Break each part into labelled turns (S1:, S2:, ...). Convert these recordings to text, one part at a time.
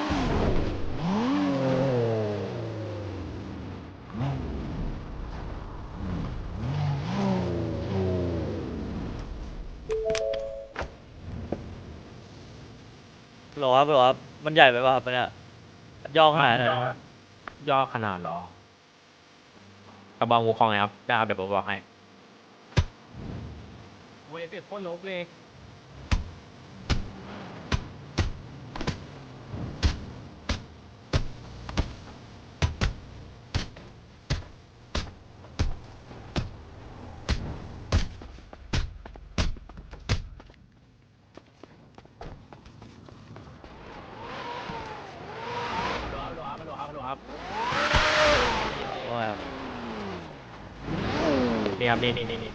S1: หรอครับหรอครับมันใหญ่ไปป่ะครับเนี่ยย่อขนาดไหน
S2: ย่อขนาดเหรอกระบองวูคองไงครับได้ครับเดี๋ยวผมบอกให้เว้ยเปลี่ยนโคตรลบเลยครับ
S1: ว่าไงครับ
S2: นี่ครับนี่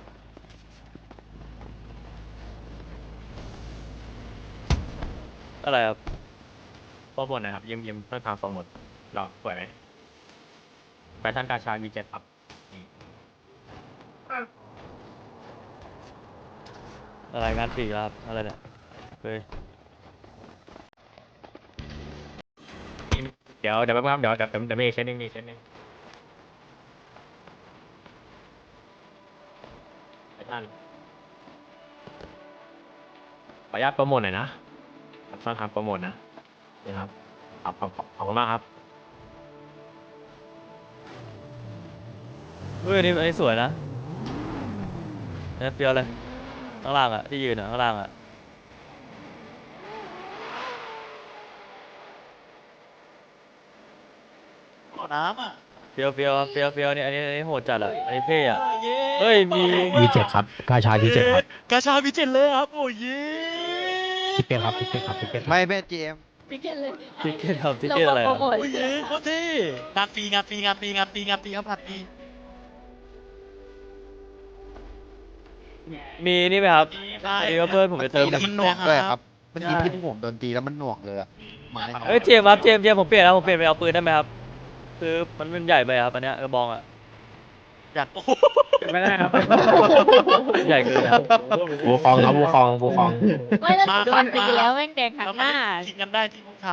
S1: อะไรครับ
S2: โปรโมทนะครับยิ้มเพื่อทางโปรโมทหรอสวยไหมแฟชั่นกาชา V7 ครับนี่
S1: อะไรงานฝีครับอะไรเนี่ยเฮ้ย
S2: เดี๋ยวแป๊บนึงครับเดี๋ยวมีอีกเซตหนึงแฟชั่นขออนุญาตโปรโมทหน่อยนะต้องทำโปรโมทนะนี่ครับขอบคุณมากครับ
S1: เฮ้ยอันนี้สวยนะเนี่ยเฟี้ยวเลยข้างล่างอ่ะที่ยืนอ่ะข้างล่างอ่ะ
S3: น้ำอ่ะ
S1: เฟี้ยวเนี่ยอันนี้โหดจัดอ่ะอันนี้เท่อ่ะเฮ้ยมี
S2: V7 ครับกาชา V7 ครับ
S3: กาชาพิเจนเลยครับโอ้ย
S2: พี่เป็นครับ
S4: ไม่เป็นจีเอ็ม
S5: พิกเก็ตเลย
S1: ทิกเก็ตครับทิกเก็ตอะไร
S5: โปร
S1: อ่ะ
S5: โมท
S3: โอ้ยโคตรเท่งานฟรีครับงานฟรีครับผัดฟรี
S1: มีนี่ไหมครับ
S3: ได้
S1: มีว่าเพื่อนผมจะเติม
S4: แล้วมันหน่วงด้วยครับเมื่อกี้ที่ผมโดนตีแล้วมันหน่วงเลยอะไม้
S1: เฮ้ยเจมส์ครับเจมส์ผมเปลี่ยนแล้วผมเปลี่ยนไปเอาปืนได้ไหมครับคือมันเป็นใหญ่ไปครับอันเนี้ยกระบองอ่ะ
S3: อยากโอ้
S2: ไม่ได้ครับ
S1: ใหญ่เกินครับ
S2: วูคองครับวูคอง
S5: ไม่แล้วโดนตีแล้วแม่งแดงหักหน้า
S3: ทิ้งกันได้ที่พวกเขา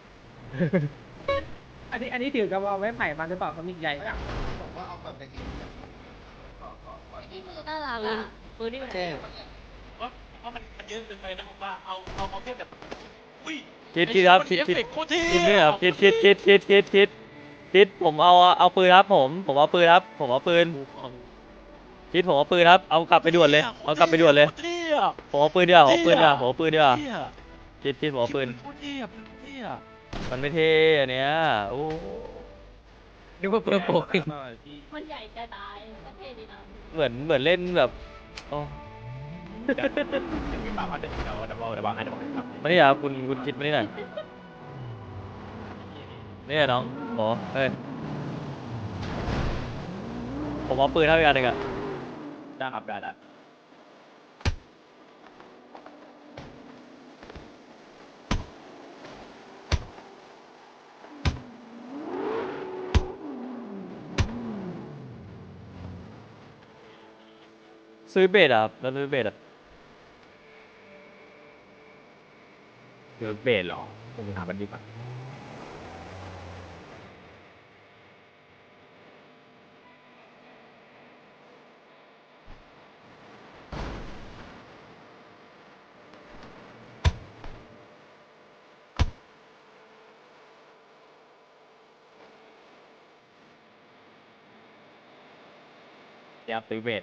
S6: อันนี้ถือกระบอกไม้ไผ่มาหรือเปล่าเขามีใหญ่
S4: บอกว่าเอาแบบในนี้
S5: นี่มือน่ารักอ่ะมือนี่มัน
S3: ว่ามันเยอะเกินไปนะผมว่าเอาแค่แบบอุ้ย
S1: คิดครับ
S3: เอฟเฟกต์โคตรเท่
S1: คิดนี่ครับคิดผมเอาปืนครับผมเอาปืนครับผมเอาปืนคิดผมเอาปืนครับเอากลับไปด่วนเลยเอากลับไปด่วนเลย
S3: โคตรเท่อะ
S1: ผมเอาปืนดีกว่าผมเอาปืนดีกว่าผมเอาปืนดีกว่า
S3: เท่อะ
S1: คิดผมเอาปืน
S3: โคตรเท่อะเท่อะ
S1: มันไม่เท่อันเนี้ยโอ้
S2: นึกว่าเพื่อโปรขึ้น
S5: มันใหญ่จะตายก็เท่ดีนะ
S1: เหมือนเล่นแบบโอ้
S2: เดี๋ยวบอกให้ครับ
S1: มานี่ครับคุณคิดมานี่หน่อยนี่น้องหมอเฮ้ยผมเอาปืนเท่าอีกอันหนึ่งอะ
S2: ได้ครับได้
S1: ซื้อเบสอะครับแล้วซื้อเบสอะ
S2: คือเบสเหรอผมถามมันดีกว่าเดี๋ยวซื้อเบส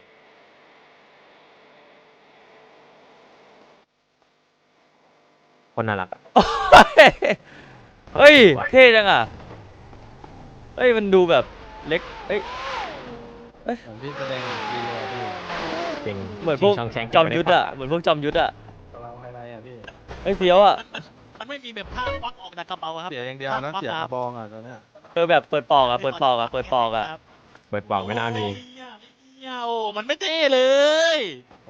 S2: คนน่ารักอะ
S1: เฮ้ยเท่จังอะเฮ้ยมันดูแบบเล็กเอ้ย
S4: พี่แสดงวีโรพี่
S2: จริง
S1: เหมือนพวก
S2: ช่งแชง
S1: จอมยุทธอะเหมือนพวกจอมยุทธอะ
S4: กำลังไฮไลท์อ่ะพี่
S1: เฮ้ยเฟี้ยวอะ
S3: มันไม่มีแบบผ้าควักออกจากกระเป๋าครับ
S4: เสียอย่างเดียวนะเสียกระบองอ่ะตอนเนี้ย
S1: แบบเปิดปอกอะเปิดปอกอะ
S2: เปิดบอกไม่น่ามี
S3: โอ้มันไม่เท่เลย
S1: โอ้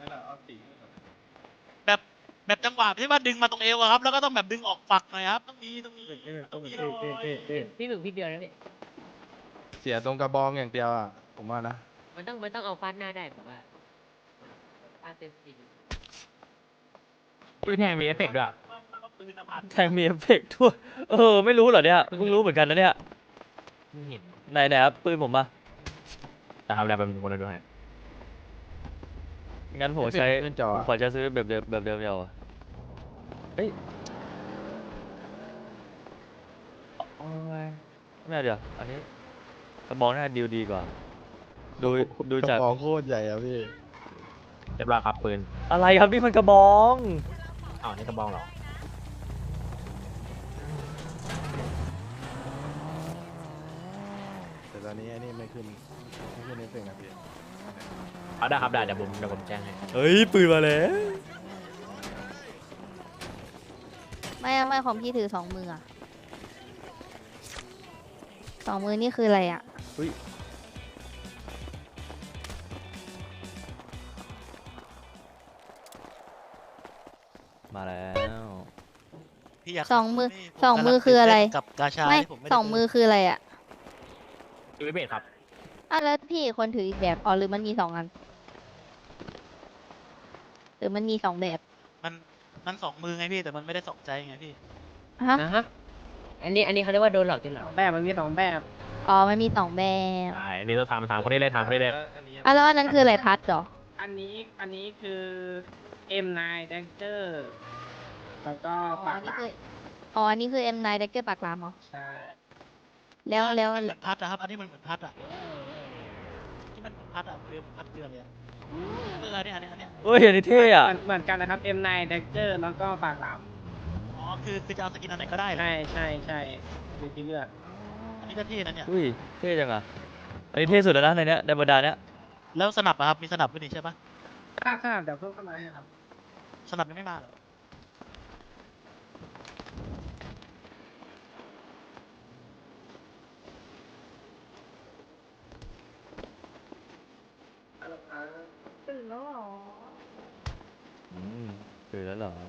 S3: แบบจังหวะที่ว่าดึงมาตรงเอวอะครับ แล้วก็ต้องแบบดึงออกฝักหน่อยครับต้องมีหน่อย
S5: พี่หมึกพี่เดียวนะพี่
S4: เสียตรงกระบองอย่างเดียวอ่ะผมว่านะ
S5: มันต้องเอาฟาดหน้าได้แบบว่าฟาดเต็มที่
S2: ปืนแทงมีเอฟเฟกต์ด้วยอะ
S3: ปืนอภัทร
S1: แทงมีเอฟเฟกต์ด้วยไม่รู้เหรอเนี่ยเพิ่งรู้เหมือนกันนะเนี่ย
S2: ไม่เห็น
S1: ไหนครับปืนผมมา
S2: แต่ทำอะไรเป็นคนละด้วย
S1: งั้นผมใช้
S4: ขึ้นจอ
S1: ผมขอจะซื้อแบบเดิมแบบเดิมเดียวอะเฮ้ยโอ้ยไม่เอาเดี๋ยวอันนี้กระบอกน่าดีลดีกว่า ดูจาก
S4: กระบอกโคตรใหญ่อะพี่
S2: เรียบร้อยครับปืน
S1: อะไรครับนี่มันกระบอง
S2: อ้าวนี่กระบองเหรอ
S4: แต่ตอนนี้อันนี้ไม่ขึ้นเอฟเฟกต์นะพี่
S2: เอาได้ครับได้เดี๋ยวผมแจ้งให้
S1: เฮ้ยปืนมาแล้ว
S5: ไม่ของพี่ถือ2 มืออะ2 มือนี่คืออะไรอะ
S1: อุ้ยมาแล้ว
S3: พี่อยาก
S5: 2 มือ
S3: นี่ผ
S5: 2 มือก
S3: ำลัง
S5: คืออะไร
S3: ตื่นเต้นกับกาชา
S5: ไม่
S3: ที่ผมไม่ได้
S5: 2 มือคืออะไรอะ
S2: ดูเบสครับ
S5: อ่ะแล้วพี่อีกคนถืออีกแบบอ๋อหรือมันมี2 อันหรือมันมี2 แบบ
S3: มันสองมือไงพี่แต่มันไม่ได้สองใจไงพี่
S5: ฮะ
S7: นะฮะ อันนี้เขาเรียกว่าโดนหลอกจริงเหรอ
S6: แบบมันมี2 แบบ
S5: อ๋อมันมี2 แบบ
S2: ใช่นี่ต้องถามคนนี้เลยถามคนนี้เลย
S5: อ่ะแล้วอันนั้นคืออะไรพัดเหรอ
S6: อันนี้คือ M9 Dagger แล้วก็
S5: อ๋อ
S6: ปา
S5: อั
S6: ก
S5: น
S6: ห
S5: นี้
S6: ลาม
S5: คืออ๋ออันนี้คือ M9 Dagger ปากหลามเหรอ
S6: ใช่
S5: แล้ว
S3: มันเหมือนพัดอะครับ อันนี้มันเหมือนพัดอะที่มันเหมือนพัดอะเรือเหมือนพัดเรือเลยอะอันเนี้ย
S1: เฮ้ยอันนี้เท่อะ
S6: เหมือนกันนะครับ M9 Dagger แล้วก็ปากหลาม
S3: อ๋อคือจะเอาสกินอันไหนก็ได้เหรอ
S6: ใช่มีที่เลือก
S3: อันนี้ก็เท่นะเนี่ย
S1: อุ้ยเท่จังอะอันนี้เท่สุดแล้วนะในเนี้ยในบรรดาเนี้ย
S3: แล้วสนับอะครับมีสนับด้วยนี่ใช่ปะ
S6: ค่าเดี๋ยวเพิ่มเข้ามาให้ครับ
S3: สนับยังไม่มาเหรอ
S5: ตื่นแล้วหรอ
S1: อืมคือแล้วเหรอ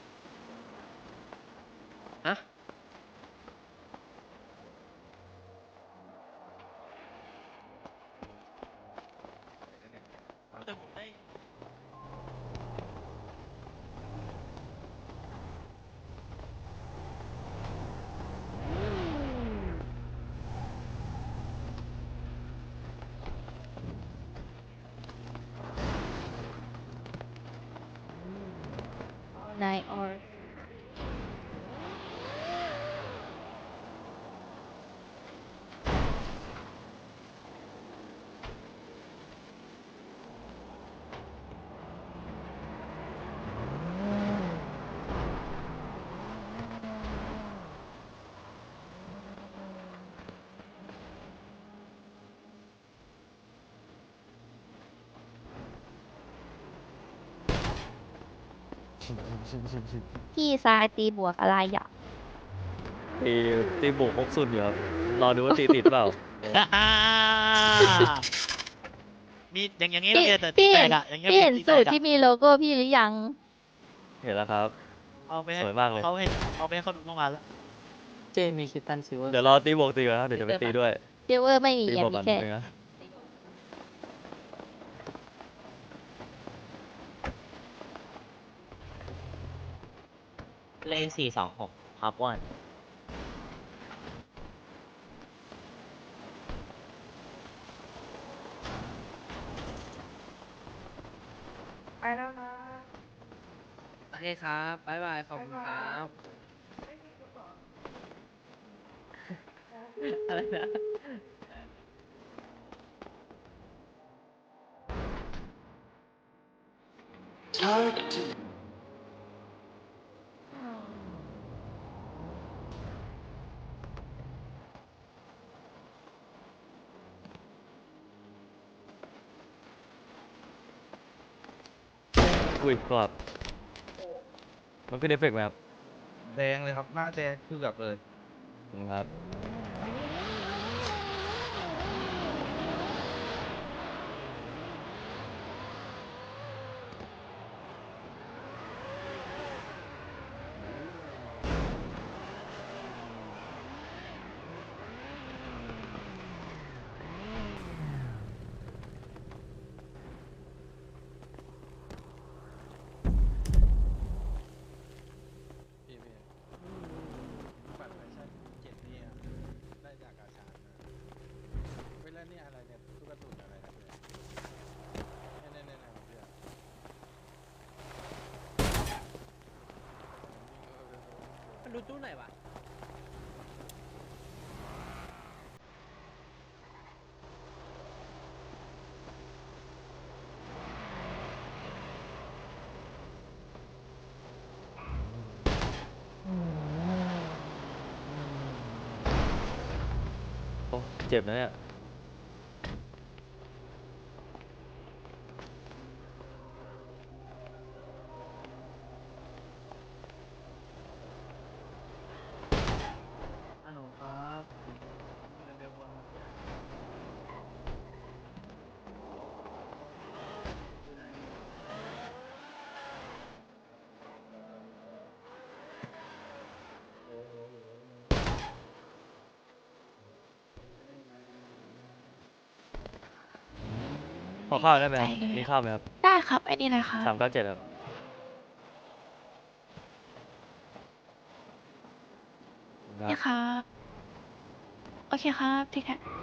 S7: ฮะ
S3: แต่ผมได้
S5: นายออร์ พี่ทรายตีบวกอะไรอ่ะ
S1: ตีตีบุกพกสุดอยู่ครับรอดูว่าตีติดเปล่า
S3: มีอย่างงี้
S5: พี่
S3: ต้องแต่
S5: พี่
S3: แต
S5: เห็น
S3: กอะอย่างเงี้ย
S5: พี่เห็น
S3: ตีแต
S5: สูต
S3: ก
S5: ร
S3: อะ
S5: ที่มีโลโก้พี่หรือยัง
S1: เห็นแล้วครับ
S3: เอาไปให้
S1: สวยมากเลย
S3: เอาไปให้เขาดูเมื่อวานแล้ว
S7: เจมีคิตตันซิลเวอร์
S1: เดี๋ยวรอตีบวกตีก่อนครับเดี๋ยวจะไปตีด้วย
S5: เดเวอร์ไม่มี
S1: ตี
S5: อ่ะ
S1: บวก
S5: มี
S1: ก่อน
S5: แค่
S1: นึงนะ
S7: เลข426ครับอ้วน
S5: ไปแล้วนะ
S7: โอเคครับ บ๊ายบาย ขอบคุณครับ อะไรนะ
S1: อุ้ยกรอบมันขึ้นเอฟเฟกต์ไหมครับ
S4: แดงเลยครับ หน้าแดงคือแบบเลย
S1: ครับ
S7: มันดูตู้ไหนวะ
S1: โอ้เจ็บนะเนี่ย
S7: ฮัลโหลครับ
S1: ขอข้าวได้ไหมครับ
S5: ไปเลย
S1: มีข้าวไหมครับ
S5: ได้ครับไอ้นี่เลยค่ะ
S1: 397ครับ
S5: นี่ครับ โอเคครับพี่แคท